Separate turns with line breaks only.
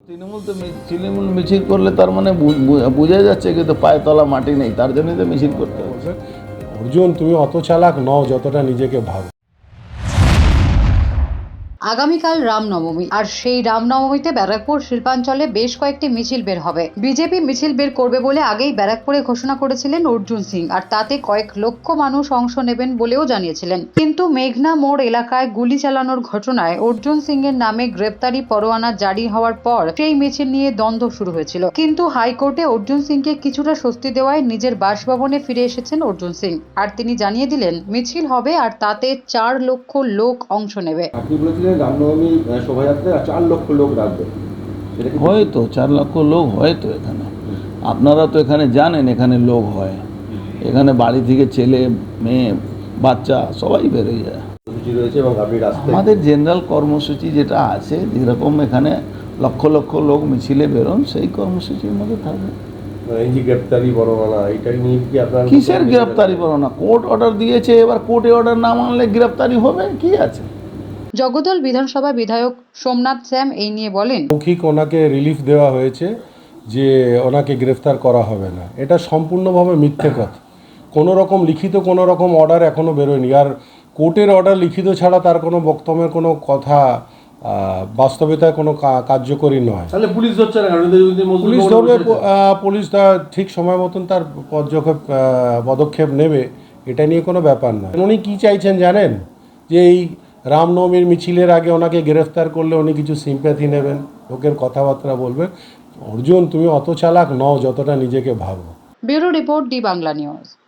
তৃণমূল তো তৃণমূল মিছিল করলে তার মানে বোঝা যাচ্ছে কিন্তু পায়ে তলা মাটি নেই, তার জন্যই তো মিছিল করতে হবে।
অর্জুন, তুমি অত চালাক নও যতটা নিজেকে ভাবো।
আগামীকাল রামনবমী, আর সেই রামনবমীতে ব্যারাকপুর শিল্পাঞ্চলে বেশ কয়েকটি মিছিল বের হবে। বিজেপি মিছিল বের করবে বলে আগেই ব্যারাকপুরে ঘোষণা করেছিলেন অর্জুন সিং, আর তাতে কয়েক লক্ষ মানুষ অংশ নেবেন বলেও জানিয়েছিলেন। কিন্তু মেঘনা মোড় এলাকায় গুলি চালানোর ঘটনায় অর্জুন সিং এর নামে গ্রেপ্তারি পরোয়ানা জারি হওয়ার পর সেই মিছিল নিয়ে দ্বন্দ্ব শুরু হয়েছিল। কিন্তু হাইকোর্টে অর্জুন সিংকে কিছুটা স্বস্তি দেওয়ায় নিজের বাসভবনে ফিরে এসেছেন অর্জুন সিং, আর তিনি জানিয়ে দিলেন মিছিল হবে আর তাতে 4 লক্ষ লোক অংশ নেবে।
আপনি বলেছিলেন রামনবমী শোভাযাত্রায় 4 লক্ষ লোক রাখবেন,
হয়তো 4 লক্ষ লোক হয়তো এখানে, আপনারা তো এখানে জানেন এখানে লোক হয়, এখানে বাড়ি থেকে ছেলে মেয়ে বাচ্চা সবাই বেরোয় যায়।
কর্মসূচি রয়েছে এবং আপনি রাস্তায়
আমাদের জেনারেল কর্মসূচি যেটা আছে, যেরকম এখানে লক্ষ লক্ষ লোক মিছিলে বেরোন, সেই কর্মসূচির মধ্যে থাকবে।
এই যে গ্রেপ্তারি পরোয়ানা, এটা নিয়ে কি আপনার
কিসের গ্রেপ্তারি পরোয়ানা? কোর্ট অর্ডার দিয়েছে, এবার কোর্টে অর্ডার না মানলে গ্রেপ্তারি হবে, কি আছে?
জগদল বিধানসভা বিধায়ক সোমনাথ শ্যাম এই নিয়ে বলেন,
মৌখিক ওনাকে রিলিফ দেওয়া হয়েছে যে ওনাকে গ্রেফতার করা হবে না। এটা সম্পূর্ণভাবে মিথ্যে কথা। কোনো রকম লিখিত কোনো রকম অর্ডার এখনও বেরোয়নি। আর কোর্টের অর্ডার লিখিত ছাড়া তার কোনো বক্তব্যের কোনো কথা বাস্তবতায় কোনো কার্যকরী নয়।
তাহলে পুলিশ ধরছে না, কারণ যদি
পুলিশ ধরবে, পুলিশ ঠিক সময় মতন তার পদক্ষেপ নেবে, এটা নিয়ে কোনো ব্যাপার নয়। উনি কী চাইছেন জানেন? যে এই রামনবমীর মিছিলের আগে ওনাকে গ্রেফতার করলে উনি কিছু সিম্প্যাথি নেবেন, লোকের কথাবার্তা বলবেন। অর্জুন, তুমি অত চালাক নও যতটা নিজেকে ভাবো।
Bureau report, the Bangla news.